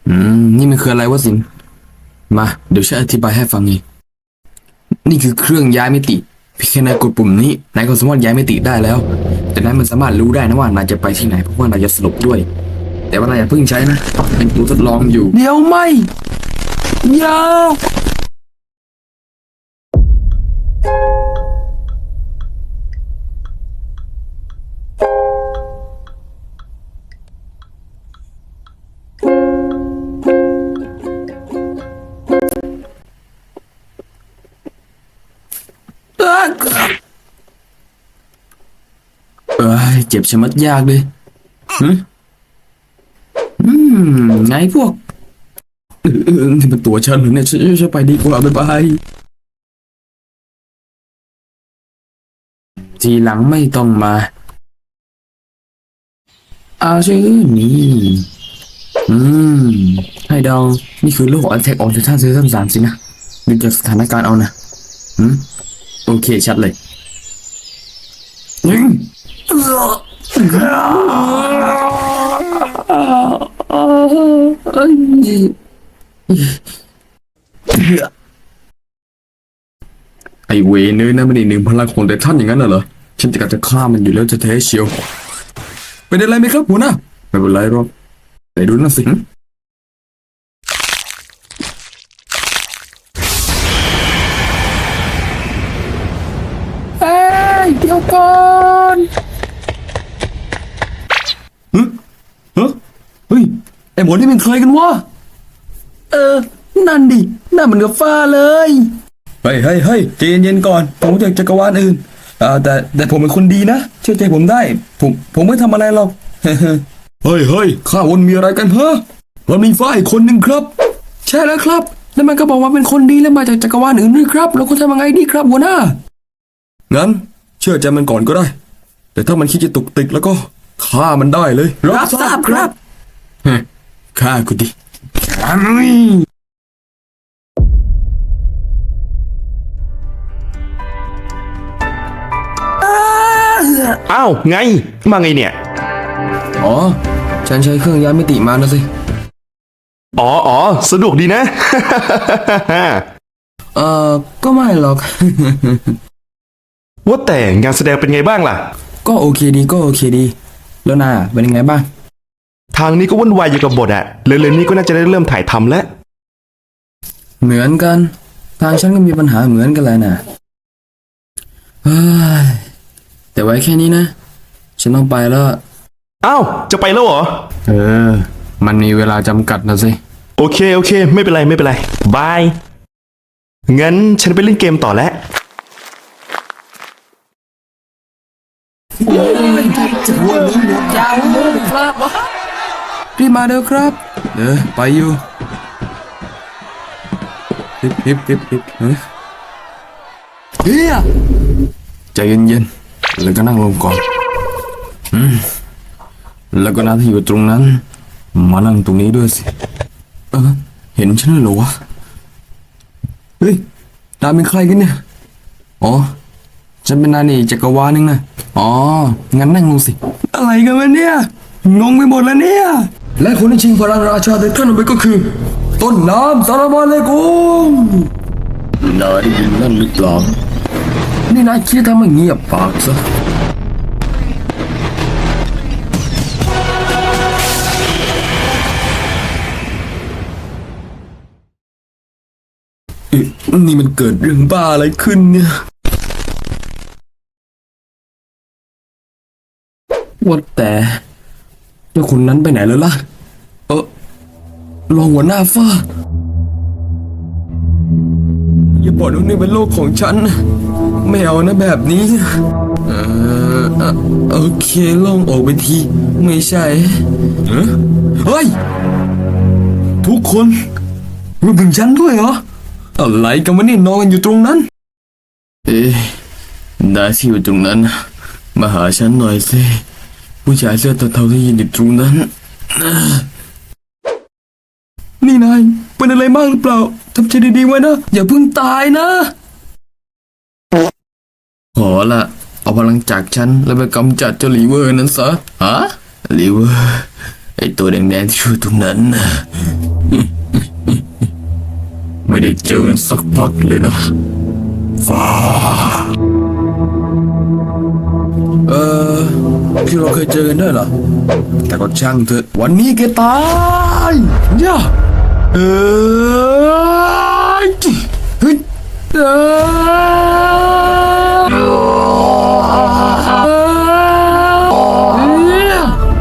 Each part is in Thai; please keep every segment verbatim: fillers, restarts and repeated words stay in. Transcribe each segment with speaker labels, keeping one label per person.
Speaker 1: อืมนี่มันคืออะไรวะสินมาเดี๋ยวฉันอธิบายให้ฟังเองนี่คือเครื่องย้ายมิติเพียงแค่นายกดปุ่มนี้นายก็สามารถย้ายมิติได้แล้วแต่นายมันสามารถรู้ได้นะว่านายจะไปที่ไหนเพราะว่านายจะสลบด้วยแต่ว่านายอย่าเพิ่งใช้นะเป็นตัวทดลองอยู่เดี๋ยวไม่อย่าเอ้ยเจ็บชะมัดยากเลยฮึอืมไงพวกเออเออนี่มันตัวฉันเหรอเนี่ยฉันฉันไปดีกว่าบ๊ายบายทีหลังไม่ต้องมาอาชื่อนี่อืมให้เดานี่คือโลกอันแทกออนไททันซีซั่นสามสินะดูจากสถานการณ์เอานะอืมโอเคชัดเลยยิงไอเวเนอร์นะไม่ได้หนึ่งพลังของแต่ท่านอย่างนั้นน่ะเหรอฉันจะกัดจะฆ่ามันอยู่แล้วจะแท้เชียวเป็นอะไรไหมครับหัวหน้าไม่เป็นไรหรอกไหนดูนั่นสิเฮ้ยเดี๋ยวก่อนฮึฮะเฮ้ยไอหมอนี่เป็นใครกันวะเออนั่นดิหน้าเหมือนกับฟ้าเลยเฮ้ยเฮ้ยเฮ้ยใจเย็นๆก่อนผมจากจักรวาลอื่นอ่าแต่แต่ผมเป็นคนดีนะเชื่อใจผมได้ผมผมไม่ทำอะไรหรอก เฮ้ยเฮ้ยข้าวนมีอะไรกันฮะเรามีฟ้าอีกคนหนึ่งครับ ใช่แล้วครับแล้วมันก็บอกว่าเป็นคนดีแล้วมาจากจักรวาลอื่นด้วยครับเราควรทำยังไงดีครับหัวหน้างั้นเชื่อใจมันก่อนก็ได้แต่ถ้ามันคิดจะตุกติกแล้วก็ฆ่ามันได้เลยรับทราบครับฮะฆ่ากูดิ
Speaker 2: อ้าวไงมาไงเนี่ย
Speaker 1: อ๋อฉันใช้เครื่องย้ายมิติมานะสิ
Speaker 2: อ๋ออ๋อสะดวกดีนะ
Speaker 1: เอ่อก็ไม่หรอก
Speaker 2: ว่าแต่งานแสดงเป็นไงบ้างล่ะ
Speaker 1: ก็โอเคดีก็โอเคดีแล้วนายอะเป็นยังไงบ้าง
Speaker 2: ทางนี้ก็วุ่นวายอยู่กับบทอะเร็วๆนี้ก็น่าจะได้เริ่มถ่ายทำแล้ว
Speaker 1: เหมือนกันทางฉันก็มีปัญหาเหมือนกันเลยนะเฮ้ยแต่ไว้แค่นี้นะฉันต้องไปแล้ว
Speaker 2: อ้าวจะไปแล้วเหรอ
Speaker 1: เออมันมีเวลาจำกัดนะสิ
Speaker 2: โอเคโอเคไม่เป็นไรไม่เป็นไรบายงั้นฉันไปเล่นเกมต่อแล้ว
Speaker 1: จะวนหมดยาวครับรีบมาเด้อครับเออไปอยู่ฮิปฮิปฮิปฮิปเฮ้ยเฮียใจเย็นๆแล้วก็นั่งลงก่อนอืมแล้วก็นาที่อยู่ตรงนั้นมานั่งตรงนี้ด้วยสิเออเห็นฉันเหรอวะเฮ้ยนายเป็นใครกันเนี่ยอ๋อฉันเป็นนายนี่จักรวาลนึงนะอ๋องั้นนั่งลงสิอะไรกันวะเนี่ยงงไปหมดแล้วเนี่ยและคนที่ชิงพลังราชาในท่านเอาไปก็คือ ต้นน้ำสารมาเลกุมนายได้ยินนั่นหรือเปล่านี่นายคิดทำให้เงียบปากซะนี่มันเกิดเรื่องบ้าอะไรขึ้นเนี่ยว่าแต่เจ้าคนนั้นไปไหนแล้วล่ะเออรองหัวหน้าฟ้าอย่าบอกว่านี่เป็นโลกของฉันไม่เอานะแบบนี้เออโอเคลองออกไปทีไม่ใช่เฮ้ยทุกคนรวมถึงฉันด้วยเหรออะไรกันวะนี่นอนกันอยู่ตรงนั้นเอ๊ะนายที่อยู่ตรงนั้นมาหาฉันหน่อยสิผู้ชายเสื้อเทาๆที่ยืนอยู่ตรงนั้นนี่นายเป็นอะไรมากหรือเปล่าทำใจดีๆไว้นะอย่าเพิ่งตายนะขอละเอาพลังจากฉันแล้วไปกำจัดเจ้าลีเวอร์นั้นซะฮะลีเวอร์ไอตัวแดงๆที่อยู่ตรงนั้นนะไม่ได้เจอกันสักพักเลยนะฟ้าเออที่เราเคยเจอกันด้วยเหรอแต่ก็ช่างเถอะวันนี้แกตายย่าเออเฮ้ยเออ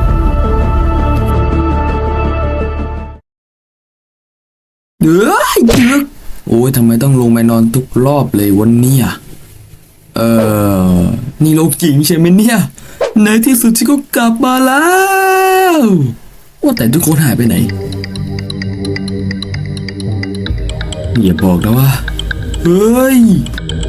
Speaker 1: เดือดดึกโอ้ยทำไมต้องลงไปนอนทุกรอบเลยวันนี้อ่ะเออนี่โลกจริงใช่ไหมเนี่ยในที่สุดฉันก็กลับมาแล้วว่าแต่ทุกคนหายไปไหนอย่าบอกนะว่าเฮ้ย